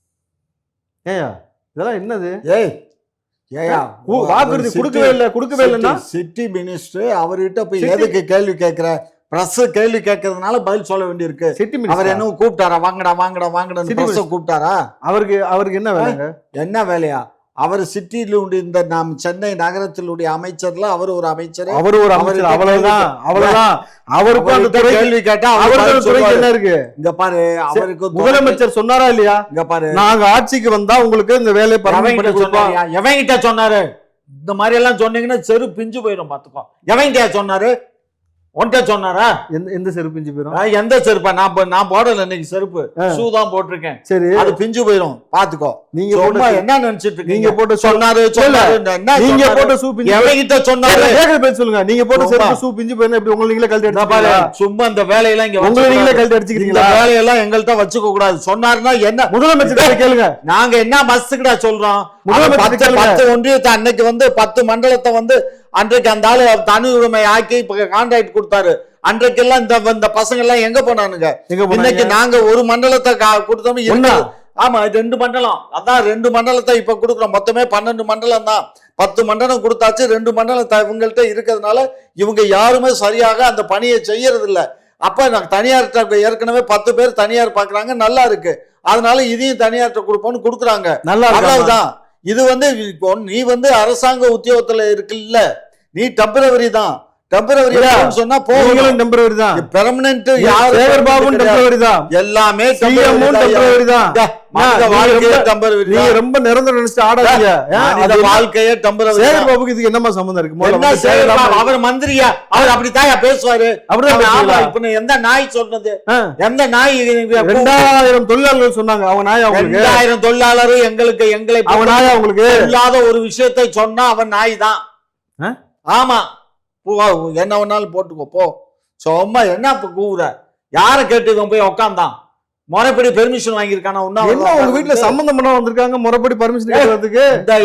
Speaker 2: ஏயா இதெல்லாம் என்னது?
Speaker 3: ஏய் ஏயா
Speaker 2: வாக்குறுதி கொடுக்கவே இல்லை கொடுக்கவே இல்லைன்னா
Speaker 3: சிட்டி மினிஸ்டர் அவர்கிட்ட போய் எதுக்கு கேள்வி கேட்கிற? பிரஸ் கேள்வி கேட்கறதுனால பதில் சொல்ல வேண்டியிருக்கு.
Speaker 2: சிட்டி
Speaker 3: அவர்
Speaker 2: மினிஸ்டர்
Speaker 3: என்ன கூப்பிட்டாரா, வாங்கடா வாங்கடா வாங்கடா கூப்பிட்டாரா?
Speaker 2: அவருக்கு அவருக்கு என்ன வேலைங்க?
Speaker 3: என்ன வேலையா? அவர் சிட்டியிலுடைய இந்த நாம் சென்னை நகரத்திலுடைய அமைச்சர்ல அவர் ஒரு அமைச்சர்,
Speaker 2: அவர் ஒரு அமைச்சர், அவ்வளவுதான் அவ்வளவுதான். அவருக்கு அந்த துறை
Speaker 3: கேள்வி கேட்டா
Speaker 2: அவருக்கு துறைக்கு என்ன இருக்கு?
Speaker 3: இங்க பாரு, அவருக்கு
Speaker 2: முதலமைச்சர் சொன்னாரா இல்லையா?
Speaker 3: இங்க பாரு,
Speaker 2: நாங்க ஆட்சிக்கு வந்தா உங்களுக்கு இந்த வேலையை பர்மனன்ட் பண்ணி கொடுப்போம்.
Speaker 3: எவங்கிட்ட சொன்னாரு? இந்த மாதிரி எல்லாம் சொன்னீங்கன்னா செரு பிஞ்சு போயிடும், பாத்துக்கோ. எவங்கிட்ட சொன்னாரு? ஒன்ட்ட சொன்னாரா?
Speaker 2: எந்த எந்த செருப்பு பிஞ்சு போயிடும்?
Speaker 3: எந்த செருப்பா? நான் நான் போடல இன்னைக்கு செருப்பு, ஷூ தான் போட்டிருக்கேன்.
Speaker 2: சரி,
Speaker 3: அது பிஞ்சு போயிடும், பாத்துக்கோ.
Speaker 2: நீங்க
Speaker 3: சும்மா என்ன நினைச்சிட்டு இருக்கீங்க?
Speaker 2: நீங்க போட்டு
Speaker 3: சொன்னாரு சொன்னாரு
Speaker 2: நீங்க போட்ட ஷூ பிஞ்சு
Speaker 3: எவங்கிட்ட சொன்னாரு?
Speaker 2: கேக்குற பேர் சொல்லுங்க. நீங்க போட்ட செருப்பு ஷூ பிஞ்சு போயினா எப்படி உங்களை நீங்களே கழட்டி அடிச்சுக்கிறீங்களா?
Speaker 3: சும்மா இந்த வேலையெல்லாம் இங்க
Speaker 2: உங்களை நீங்களே கழட்டி அடிச்சுக்கிறீங்களா?
Speaker 3: இந்த வேலையெல்லாம் எங்கள்கிட்ட வச்சுக்க கூடாது. சொன்னாருன்னா என்ன?
Speaker 2: முதலமைச்சர் கேளுங்க.
Speaker 3: நாங்க என்ன மஸ்துக்குடா சொல்றோம்?
Speaker 2: முதலமைச்சர்
Speaker 3: பத்து ஒன்றியத்தை அன்னைக்கு வந்து பத்து மண்டலத்தை வந்து அன்றைக்கு அந்த ஆளு தனி உரிமை ஆக்கி கான்ட்ராக்ட் கொடுத்தாரு. அன்றைக்கெல்லாம் இந்த இந்த பசங்க எல்லாம் எங்க போனானுங்க? இன்னைக்கு நாங்க ஒரு மண்டலத்தை கொடுத்தோம். ஆமா, ரெண்டு மண்டலம். அதான் ரெண்டு மண்டலத்தை இப்ப கொடுக்குறோம். மொத்தமே பன்னெண்டு மண்டலம் தான். பத்து மண்டலம் கொடுத்தாச்சு. ரெண்டு மண்டலம் இவங்கள்ட்ட இருக்கிறதுனால இவங்க யாருமே சரியாக அந்த பணியை செய்யறது இல்லை. அப்ப நான் தனியார்கிட்ட ஏற்கனவே பத்து பேர் தனியார் பாக்குறாங்க, நல்லா இருக்கு, அதனால இதையும் தனியார்கிட்ட கொடுப்போம்னு கொடுக்குறாங்க. நல்லா அவ்வளவுதான். இது வந்து நீ வந்து அரசாங்க உத்தியோகத்துல இருக்குல்ல, நீ டெம்பரவரி தான். டெம்பரவரி சொன்னா போகணும், டெம்பரவரி தான். பெர்மனன்ட் யார்? சேகர் பாபு டெம்பரவரி தான். எல்லாமே டெம்பரவரி தான். நீ ரொம்ப நிரந்தரம் நினைச்சு ஆடாதீங்க. அந்த வாழ்க்கையே டெம்பரவரி. சேகர் பாபுக்கு இதுக்கு என்னமா சம்பந்தம் இருக்கு? என்ன சேகர் பாபு அவர் மந்திரியா? அவர் அப்படித்தான் பேசுவாரு. அப்படிதான். இப்ப எந்த நாய் சொன்னது? எந்த நாய்? ரெண்டாயிரம் தொழிலாளர்கள் சொன்னாங்க. அவங்க நாய் அவங்களுக்கு ரெண்டாயிரம் தொழிலாளரும் எங்களுக்கு எங்களை அவன் நாய் அவங்களுக்கு இல்லாத ஒரு விஷயத்தை சொன்னா அவன் நாய் தான். ஆமா, என்ன வேணாலும் போட்டுக்கோ போ. சும்மா என்ன கூவுற? யார கேட்டு போய் உட்காந்தான்? முறைப்படி பெர்மிஷன் வாங்கியிருக்கானா? உங்க வீட்டுல சம்பந்தம் பண்ண வந்திருக்காங்க, முறைப்படி பெர்மிஷன் கேட்கறதுக்கு.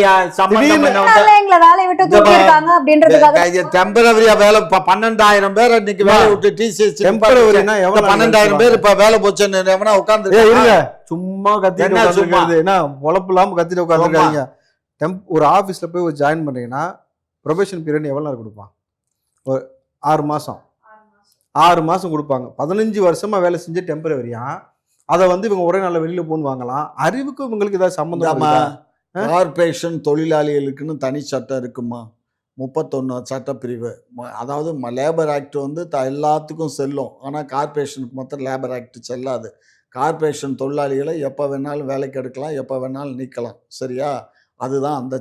Speaker 3: டெம்பரவரியா வேலை பன்னெண்டாயிரம் பேர் இன்னைக்கு வேலை விட்டு டிசிஎஸ் பன்னெண்டாயிரம் பேர் இப்ப வேலை போச்சுன்னு உட்காந்து சும்மா கத்திட்டு சும்மா என்ன பொழப்பு இல்லாம கத்திட்டு உட்காந்துருக்காங்க. ஒரு ஆபீஸ்ல போய் ஒரு ஜாயின் பண்றீங்கன்னா ப்ரொபேஷன் பீரியட் எவ்வளவு நேரம் கொடுப்பான்? ஒரு ஆறு மாசம் ஆறு மாசம் கொடுப்பாங்க. பதினஞ்சு வருஷமா வேலை செஞ்சு டெம்பரவரியா அதை வந்து இவங்க ஒரே நாள்ல வெளியில போன்னு வாங்கலாம். அறிவுக்கு இவங்களுக்கு ஏதாவது சம்பந்தம்? கார்பரேஷன் தொழிலாளிகளுக்குன்னு தனி சட்டம் இருக்குமா? முப்பத்தொன்னு சட்டப்பிரிவு. அதாவது லேபர் ஆக்ட் வந்து எல்லாத்துக்கும் செல்லும், ஆனா கார்பரேஷனுக்கு மொத்தம் லேபர் ஆக்ட் செல்லாது. கார்பரேஷன் தொழிலாளிகளை எப்ப வேணாலும் வேலைக்கு எடுக்கலாம், எப்ப வேணாலும் நீக்கலாம். சரியா? அதுதான் அந்த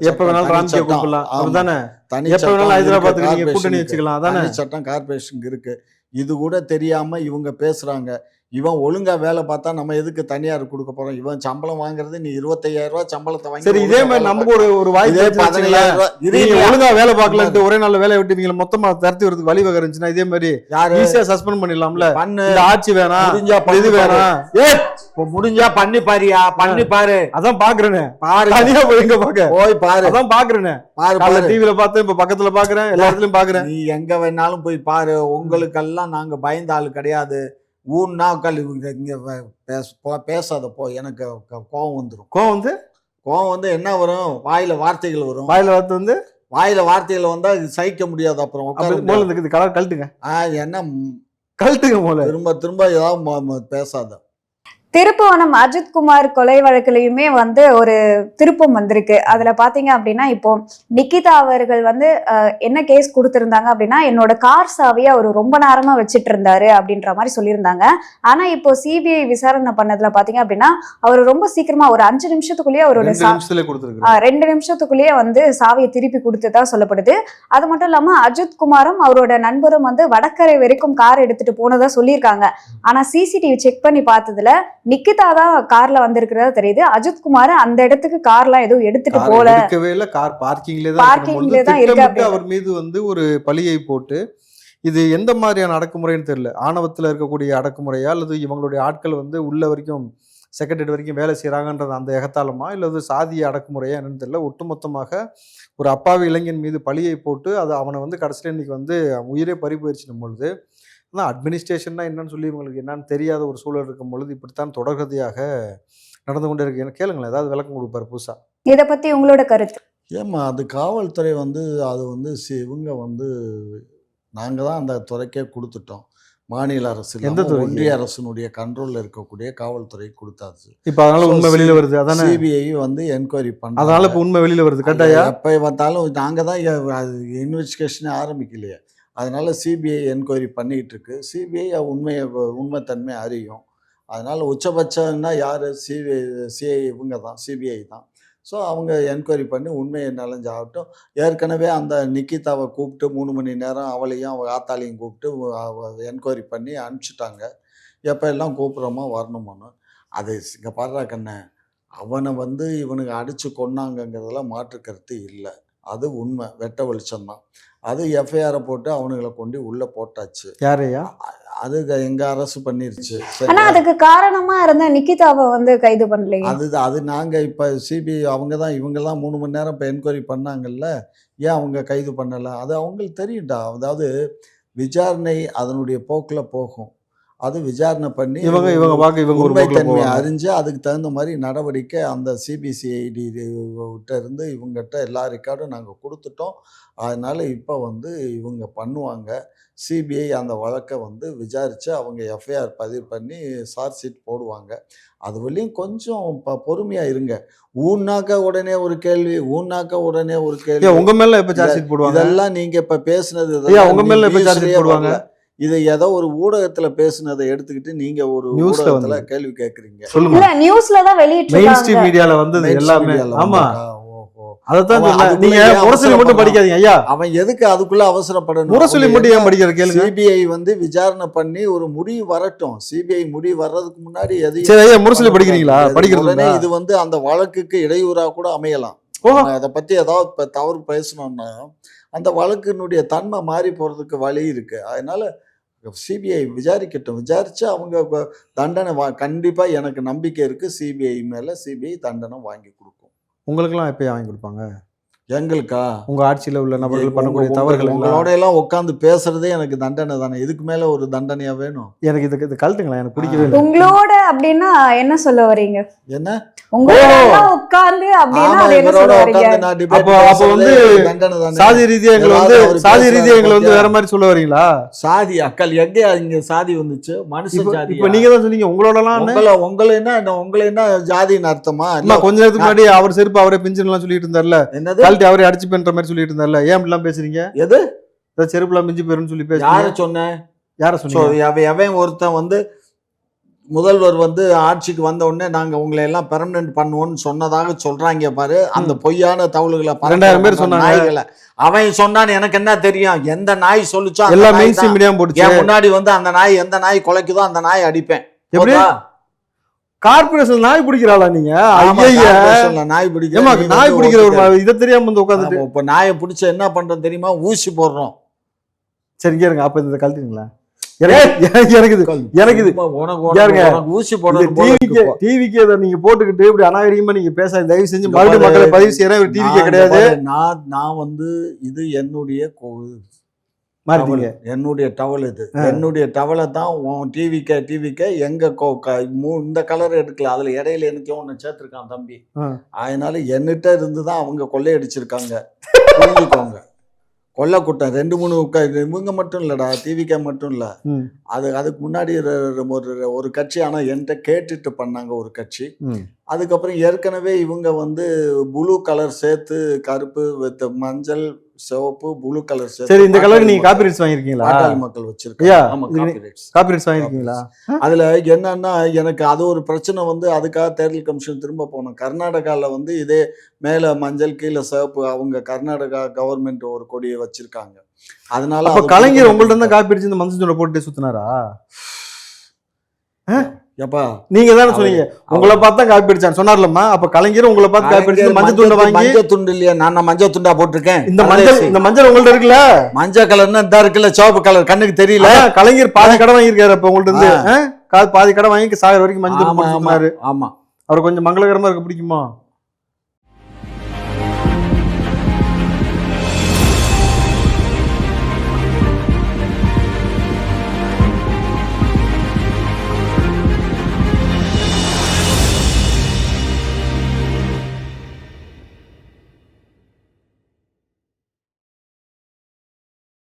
Speaker 3: சட்டம் கார்பரேஷனுக்கு இருக்கு. இது கூட தெரியாம இவங்க பேசுறாங்க. இவன் ஒழுங்கா வேலை பார்த்தா நம்ம எதுக்கு தனியார் கொடுக்க போறோம்? இவன் சம்பளம் வாங்குறது நீ இருபத்தையாயிரம் ரூபாய் சம்பளத்தை வாங்கி. சரி, இதே மாதிரி நமக்கு ஒரு ஒரு வாய்ப்பு பதினேழாயிரம் ரூபாய் ஒழுங்கா வேலை பார்க்கலன்ட்டு ஒரே நாள் வேலையை விட்டு இவங்க மொத்தமா தரத்தி வரதுக்கு வழிவகை இருந்துச்சுன்னா இதே மாதிரி ஈஸியா சஸ்பெண்ட் பண்ணிடலாம்ல. பண்ணு, ஆட்சி வேணாம், இது வேணாம், ஏ முடிஞ்சா பண்ணி பாரியா, பண்ணி பாரு. அதான் பாக்குறேன்னு பாரு, தனியா போய் எங்க பாக்க போய் பாரு. அதான் பாக்குறேன்னு பாரு பாரு. டிவில பார்த்தேன், இப்ப பக்கத்துல பாக்குறேன், எல்லா இடத்துலயும் பாக்குறேன். நீ எங்க வேணாலும் போய் பாரு. உங்களுக்கெல்லாம் நாங்க பயந்த ஆளு கிடையாது. ஊன்னா இங்க பேசாத போ, எனக்கு கோவம் வந்துடும். கோவம் வந்து கோவம் வந்து என்ன வரும்? வாயில வார்த்தைகள் வரும். வாயில வார்த்தை வந்து வாயில வார்த்தைகள் வந்தா சகிக்க முடியாது. அப்புறம் கலட்டுங்க. என்ன கழட்டுங்க? திரும்ப திரும்ப ஏதாவது பேசாத.
Speaker 1: திருப்புவனம் அஜித் குமார் கொலை வழக்குலயுமே வந்து ஒரு திருப்பம் வந்திருக்கு. அதுல பாத்தீங்க அப்படின்னா இப்போ நிக்கிதா அவர்கள் வந்து அஹ், என்ன கேஸ் கொடுத்திருந்தாங்க அப்படின்னா என்னோட கார் சாவியை அவர் ரொம்ப நேரமா வச்சிட்டு இருந்தாரு அப்படின்ற மாதிரி சொல்லியிருந்தாங்க. ஆனா இப்போ சிபிஐ விசாரணை பண்ணதுல பாத்தீங்க அப்படின்னா அவர் ரொம்ப சீக்கிரமா ஒரு அஞ்சு நிமிஷத்துக்குள்ளேயே அவரோட
Speaker 2: ரெண்டு
Speaker 1: சா-
Speaker 2: நிமிஷத்துல
Speaker 1: ஆஹ்
Speaker 2: கொடுத்துருக்காரு.
Speaker 1: ரெண்டு நிமிஷத்துக்குள்ளேயே வந்து சாவியை திருப்பி கொடுத்ததா சொல்லப்படுது. அது மட்டும் இல்லாம அஜித் குமாரும் அவரோட நண்பரும் வந்து வடகரை வரைக்கும் கார் எடுத்துட்டு போனதா சொல்லியிருக்காங்க. ஆனா சிசிடிவி செக் பண்ணி பார்த்ததுல நிக்கிதா தான் கார்ல வந்திருக்கிறதா தெரியுது. அஜித் குமார் அந்த இடத்துக்கு கார்லாம் எதுவும் எடுத்துட்டு
Speaker 2: கார்
Speaker 1: போல,
Speaker 2: எடுக்கவே இல்ல, கார் பார்க்கிங்ல தான்
Speaker 1: பார்க்கிங்ல
Speaker 2: இருக்கும்பொழுது
Speaker 1: தான் இருக்கு
Speaker 2: திட்டமிட்டு
Speaker 1: அப்படின்னு.
Speaker 2: அவர் மீது வந்து ஒரு பழியை போட்டு, இது எந்த மாதிரியான அடக்குமுறைன்னு தெரியல. ஆணவத்துல இருக்கக்கூடிய அடக்குமுறையா அல்லது இவங்களுடைய ஆட்கள் வந்து உள்ள வரைக்கும் செக்ரட்டரி வரைக்கும் வேலை செய்யறாங்கன்றது அந்த எகத்தாளமா இல்லது சாதிய அடக்குமுறையா என்னன்னு தெரியல. ஒட்டுமொத்தமாக ஒரு அப்பாவி இளைஞன் மீது பழியை போட்டு அது அவனை வந்து கடைசியில் இன்னைக்கு வந்து அவன் உயிரே பறி போயிடுச்சுன்னும் பொழுது, ஆனால் அட்மினிஸ்ட்ரேஷன்னா என்னன்னு சொல்லி இவங்களுக்கு என்னன்னு தெரியாத ஒரு சூழல் இருக்கும் பொழுது இப்படித்தான் தொடர்கதையாக நடந்து கொண்டே இருக்கு. எனக்கு கேளுங்களேன், ஏதாவது விளக்கம் கொடுப்பாரு புதுசா.
Speaker 1: இத பத்தி உங்களோட கருத்து?
Speaker 3: ஏம்மா அது காவல்துறை வந்து அது வந்து சி- இவங்க வந்து நாங்கள் தான் அந்த துறைக்கே கொடுத்துட்டோம். மாநில அரசு
Speaker 2: எந்த
Speaker 3: இல்லாம
Speaker 2: துறைக்கு?
Speaker 3: ஒன்றிய அரசினுடைய கண்ட்ரோல்ல இருக்கக்கூடிய காவல்துறை கொடுத்தாச்சு.
Speaker 2: இப்ப அதனால
Speaker 3: So,
Speaker 2: உண்மை வெளியில வருது, அதானே?
Speaker 3: சிபிஐ வந்து என்கொயரி பண்ண
Speaker 2: அதனால இப்ப உண்மை வெளியில வருது கட்டாயா?
Speaker 3: எப்போ பார்த்தாலும் நாங்கள் தான் எ- அது இன்வெஸ்டிகேஷனே ஆரம்பிக்கலையே. அதனால சிபிஐ என்கொயரி பண்ணிக்கிட்டு இருக்கு. சிபிஐ உண்மையை உண்மைத்தன்மை அறியும். அதனால உச்சபட்சம்னா யார்? சிபிஐ சிஐ இவங்க தான், சிபிஐ தான். ஸோ அவங்க என்கொயரி பண்ணி உண்மையை நலஞ்சாகட்டும். ஏற்கனவே அந்த நிக்கிதாவை கூப்பிட்டு மூணு மணி நேரம் அவளையும் அவள் ஆத்தாளையும் கூப்பிட்டு என்கொயரி பண்ணி அனுப்பிச்சிட்டாங்க. எப்போ எல்லாம் கூப்பிட்றோமோ வரணுமோன்னு. அது இங்கே பாடுறா கண்ணே, அவனை வந்து இவனுக்கு அடித்து கொன்னாங்கங்கிறதுல மாற்று கருத்து இல்லை. அது உண்மை, வெட்ட வெளிச்சம்தான். அது எஃப்ஐஆரை போட்டு அவனுங்களை கொண்டு உள்ளே போட்டாச்சு.
Speaker 2: யாரையா?
Speaker 3: அது எங்க அரசு பண்ணிருச்சு.
Speaker 1: ஆனா
Speaker 3: சரியா?
Speaker 1: அதுக்கு காரணமா இருந்த நிக்கிதாவை வந்து கைது பண்ணலையே.
Speaker 3: அது அது நாங்கள் இப்போ சிபிஐ அவங்க தான் இவங்கெல்லாம் மூணு மணி நேரம் இப்போ என்கொயரி பண்ணாங்கல்ல, ஏன் அவங்க கைது பண்ணலை? அது அவங்களுக்கு தெரியும்டா. அதாவது விசாரணை அதனுடைய போக்கில் போகும். அது விசாரணை பண்ணி
Speaker 2: இவங்க இவங்க பார்க்க இவங்க ஒரு போக்குல
Speaker 3: உண்மைத்தன்மையை
Speaker 2: போவாங்க.
Speaker 3: அறிஞ்சு அதுக்கு தகுந்த மாதிரி நடவடிக்கை அந்த சிபிசிஐடி கிட்ட இருந்து இவங்ககிட்ட எல்லா ரெக்கார்டும் நாங்கள் கொடுத்துட்டோம். அதனால இப்போ வந்து இவங்க பண்ணுவாங்க. சிபிஐ அந்த வழக்கை வந்து விசாரித்து அவங்க எஃப்ஐஆர் பதிவு பண்ணி சார்ஜ் ஷீட் போடுவாங்க. அது வரையும் கொஞ்சம் இப்போ பொறுமையாக இருங்க. ஊன்னாக்க உடனே ஒரு கேள்வி, ஊன்னாக்க உடனே ஒரு
Speaker 2: ஏன்
Speaker 3: கேள்வி.
Speaker 2: உங்க மேல எப்ப சார்ஜ் ஷீட் போடுவாங்க?
Speaker 3: இதெல்லாம் நீங்கள் இப்போ பேசுனது
Speaker 2: ஐயா,
Speaker 3: இதெல்லாம்
Speaker 2: உங்க
Speaker 3: நீ
Speaker 2: மேல எப்ப சார்ஜ்
Speaker 3: newsலயே
Speaker 2: ஷீட் போடுவாங்க?
Speaker 3: வரல. இதை ஏதோ ஒரு ஊடகத்துல பேசுனதை எடுத்துக்கிட்டு நீங்க ஒரு
Speaker 2: நியூஸ்ல
Speaker 3: ஊடகத்துல
Speaker 2: வந்து
Speaker 3: கேள்வி கேட்குறீங்க.
Speaker 2: சொல்லுங்க.
Speaker 1: இல்ல நியூஸ்ல தான் வெளியிட்டு
Speaker 2: மெயின்
Speaker 1: இருக்காங்க.
Speaker 2: ஸ்ட்ரீம் மீடியால வந்தது எல்லாமே. ஆமா,
Speaker 3: ஓஹோ.
Speaker 2: அதத்தான்
Speaker 3: அவன்
Speaker 2: சொன்னேன்.
Speaker 3: அதுக்குள்ள
Speaker 2: நீங்க
Speaker 3: ஏன்
Speaker 2: முரசொலி மட்டும்
Speaker 3: அவசரப்படுறான்?
Speaker 2: படிக்காதீங்க ஐயா.
Speaker 3: அவன் எதுக்கு அதுக்குள்ள அவசரப்படணும்?
Speaker 2: முரசொலி மட்டும் ஏன் படிக்கிற கேளுங்க.
Speaker 3: சிபிஐ வந்து விசாரணை பண்ணி ஒரு முடிவு வரட்டும். சிபிஐ முடிவு வர்றதுக்கு முன்னாடி எதையும்
Speaker 2: சரி ஐயா, முரசொலி படிக்கிறீங்களா?
Speaker 3: உடனே
Speaker 2: படிக்கிறீங்களா?
Speaker 3: இது வந்து அந்த வழக்குக்கு இடையூறா கூட அமையலாம்.
Speaker 2: ஓஹோ.
Speaker 3: நம்ம அதை பத்தி ஏதாவது இப்ப தவறு பேசணும்னா அந்த வழக்கினுடைய தன்மை மாறி போறதுக்கு வழி இருக்கு. அதனால சிபிஐ விசாரிக்கட்டும். விசாரிச்சு அவங்க வ- தண்டனை வா கண்டிப்பா எனக்கு நம்பிக்கை இருக்கு. சிபிஐ மேல சிபிஐ தண்டனை வாங்கி கொடுக்கும்.
Speaker 2: உங்களுக்கெல்லாம் எப்ப வாங்கி கொடுப்பாங்க?
Speaker 3: எங்களுக்கா?
Speaker 2: உங்க ஆட்சியில உள்ள நபர்கள்
Speaker 3: உங்க-
Speaker 2: பண்ணக்கூடிய
Speaker 3: உங்க-
Speaker 2: தவறுகள் எல்லாம்.
Speaker 3: உங்களோட எல்லாம் உட்காந்து பேசுறதே எனக்கு தண்டனை தானே. இதுக்கு மேல ஒரு தண்டனையா வேணும்?
Speaker 2: எனக்கு இது இது கழட்டுங்களா, எனக்கு பிடிக்கவே இல்லை.
Speaker 1: உங்களோட அப்படின்னா என்ன சொல்ல வரீங்க?
Speaker 3: என்ன?
Speaker 1: உங்களோட எல்லாம் உட்கார்ந்து அப்படின்னா
Speaker 3: ஆமா,
Speaker 1: அது என்ன
Speaker 3: இவரோட
Speaker 1: சொல்ல வரீங்க?
Speaker 3: உட்கார்ந்து நான் debate
Speaker 2: அப்போ அப்போ
Speaker 3: பேசுறதே
Speaker 2: வந்து
Speaker 3: எனக்கு தண்டனை தானே.
Speaker 2: சாதி ரீதியா எங்களை வந்து
Speaker 3: ஏதாவது அவரு
Speaker 2: சாதி
Speaker 3: பேசுறாரு
Speaker 2: ரீதியா எங்களை வந்து
Speaker 3: பாத்தியா?
Speaker 2: வேற மாதிரி சொல்ல வரீங்களா?
Speaker 3: சாதி அக்கல் எங்க இங்க சாதி வந்துச்சு? மனுஷ
Speaker 2: இப்ப
Speaker 3: ஜாதி.
Speaker 2: இப்ப நீங்க தான் சொன்னீங்க உங்களோட எல்லாம்.
Speaker 3: உங்களை உங்களை என்ன என்ன உங்களை என்ன ஜாதின்னு அர்த்தமா?
Speaker 2: அம்மா,
Speaker 3: இல்ல,
Speaker 2: கொஞ்ச நேரத்துக்கு முன்னாடி அவர் செருப்பு அவரே பிஞ்சுன்னு எல்லாம் சொல்லிட்டு இருந்தார்ல,
Speaker 3: என்னது?
Speaker 2: கழட்டி அவரே அடிச்சு பண்ற மாதிரி சொல்லிட்டு இருந்தார்ல, ஏன் இப்படிலாம் பேசுறீங்க?
Speaker 3: எது?
Speaker 2: ஏதாவது செருப்பு எல்லாம் பிஞ்சு போயிருன்னு சொல்லி
Speaker 3: யார
Speaker 2: பேசுறீங்க.
Speaker 3: சொன்னேன்?
Speaker 2: யார
Speaker 3: So,
Speaker 2: சொன்னீங்க?
Speaker 3: அவன் அவன் ஒருத்தன் வந்து முதல்வர் வந்து ஆட்சிக்கு வந்த உடனே நாங்க உங்களை எல்லாம் பெர்மனன்ட் பண்ணுவோம்னு சொன்னதாக சொல்றாங்க பாரு. அந்த பொய்யான தவளுகளை பரப்புற
Speaker 2: ரெண்டாயிரம் பேர்
Speaker 3: அந்த
Speaker 2: சொன்னாங்க.
Speaker 3: நாய்களை. அவன் சொன்னான்னு எனக்கு என்ன தெரியும்? எந்த நாய் சொல்லுச்சோ அந்த
Speaker 2: எல்லா
Speaker 3: நாய்
Speaker 2: மெயின் ஸ்ட்ரீம்
Speaker 3: தான்.
Speaker 2: மீடியாவும் போட்டுச்சு.
Speaker 3: என் முன்னாடி வந்து அந்த நாய் எந்த நாய் குலைக்குதோ அந்த நாய் அடிப்பேன்.
Speaker 2: எப்படி?
Speaker 3: போதா?
Speaker 2: கார்பரேஷன் நாய் பிடிக்கிறாளா நீங்க?
Speaker 3: ஆமா,
Speaker 2: ஐயா,
Speaker 3: கார்ப்பரேஷன்ல நாய் பிடிக்கிற
Speaker 2: ஏமா
Speaker 3: நீ
Speaker 2: நாய்
Speaker 3: வந்து
Speaker 2: பிடிக்கிற ஒரு
Speaker 3: ஒத்துக்க.
Speaker 2: மா- இதை தெரியாம வந்து உட்காந்துட்டு.
Speaker 3: ஆமா, இப்ப நாயை பிடிச்ச என்ன பண்றோம் தெரியுமா? ஊசி போடுறோம்.
Speaker 2: சரி கேளுங்க, அப்ப இந்த கழட்டுங்களா? எனக்கு எனக்கு இது எனக்கு இது
Speaker 3: சும்மா உனக்கு
Speaker 2: யாருங்க?
Speaker 3: உனக்கு உனக்கு ஊசி போடணும் போல
Speaker 2: டிவிக்கு
Speaker 3: இருக்கு இப்போ.
Speaker 2: டிவிக்கு இதை நீங்க போட்டுக்கிட்டு இப்படி அநாகரிகமா நீங்க பேச தயவு செஞ்சு
Speaker 3: இங்க
Speaker 2: மறுபடியும்
Speaker 3: பாரு,
Speaker 2: மக்களை பதிவு செய்யறேன். டிவிக்கே
Speaker 3: நான்
Speaker 2: கிடையாது.
Speaker 3: இங்க பாரு, நான் நான் வந்து இது என்னுடைய கொ-
Speaker 2: மாறிட்டீங்க.
Speaker 3: டவல். என்னுடைய டவல் இது. என்னுடைய டவலை தான் உன் டிவிக்க டிவிக்க எங்க கொ- க- மூ- இந்த கலர் எடுக்கல. அதுல இடையில எனக்கு ஒண்ணு சேர்த்திருக்கான் தம்பி.
Speaker 2: ஆ.
Speaker 3: அதனால என்னிட்ட இருந்து தான் அவங்க கொள்ளையடிச்சிருக்காங்க. புரிஞ்சுக்கோங்க. கொள்ள கூட்டம் ரெண்டு மூணு க- இவங்க மட்டும் இல்லடா, டிவிகே மட்டும் இல்ல.
Speaker 2: ம்.
Speaker 3: அது அதுக்கு முன்னாடி ஒரு ஒரு- ஒரு கட்சி, ஆனா என்கிட்ட கேட்டுட்டு பண்ணாங்க ஒரு கட்சி.
Speaker 2: ம்.
Speaker 3: அதுக்கப்புறம் ஏற்கனவே இவங்க வந்து ப்ளூ கலர் சேர்த்து கருப்பு வித் மஞ்சள் சிவப்பு ப்ளூ கலர் சேர்த்து
Speaker 2: சரி, இந்த கலருக்கு
Speaker 3: பாட்டாளி
Speaker 2: நீங்க
Speaker 3: மக்கள்
Speaker 2: காப்பிரைட்ஸ் வாங்கியிருக்கீங்களா?
Speaker 3: பாட்டாளி மக்கள்
Speaker 2: ஐயா,
Speaker 3: வச்சிருக்காங்க. ஆமா,
Speaker 2: இது நீ-
Speaker 3: காப்பிரைட்ஸ்.
Speaker 2: காப்பிரைட்ஸ் வாங்கியிருக்கீங்களா?
Speaker 3: அதுல என்னன்னா எனக்கு அது ஒரு பிரச்சனை வந்து அதுக்காக தேர்தல் கமிஷன் திரும்ப போனோம். கர்நாடகாவில் வந்து இதே மேல மஞ்சள் கீழே சிவப்பு, அவங்க கர்நாடகா கவர்மெண்ட் ஒரு கொடியை வச்சிருக்காங்க. அதனால
Speaker 2: அப்ப
Speaker 3: அது
Speaker 2: கலைஞர்
Speaker 3: கொடுக்க
Speaker 2: உங்கள்ட்ட
Speaker 3: மாட்டேங்குது.
Speaker 2: தான் காப்பி அடிச்சு இந்த மஞ்சள் தூளை போட்டு சுத்தினாரா?
Speaker 3: எப்பா
Speaker 2: நீங்க தானே
Speaker 3: அவரு-
Speaker 2: சொன்னீங்க உங்களை பார்த்து தான் காப்பி அடிச்சான்னு சொன்னார்லம்மா. அப்ப கலைஞர் உங்களை பார்த்து காப்பி அடிச்சு மஞ்சள் துண்டை வாங்கி
Speaker 3: மஞ்சள் துண்டு இல்லையா, நான் நான் மஞ்சள் துண்டா போட்டிருக்கேன்.
Speaker 2: இந்த மஞ்சள் இந்த மஞ்சள் உங்கள்ட்ட இருக்குல்ல,
Speaker 3: மஞ்சள் கலர்னா இந்த இருக்குல்ல, சிவப்பு கலர் கண்ணுக்கு தெரியல.
Speaker 2: அதான் கலைஞர் பாதி கடை வாங்கியிருக்காரு. அப்ப உங்கள்ட்ட இருந்து ஆ? கா- பாதி கடை வாங்கி சாகர வரைக்கும் மஞ்சள்
Speaker 3: ஆமா
Speaker 2: போட்டு
Speaker 3: ஆமா
Speaker 2: சுத்தினாரு.
Speaker 3: ஆமா.
Speaker 2: அவர் கொஞ்சம் மங்களகரமா இருக்க பிடிக்குமா?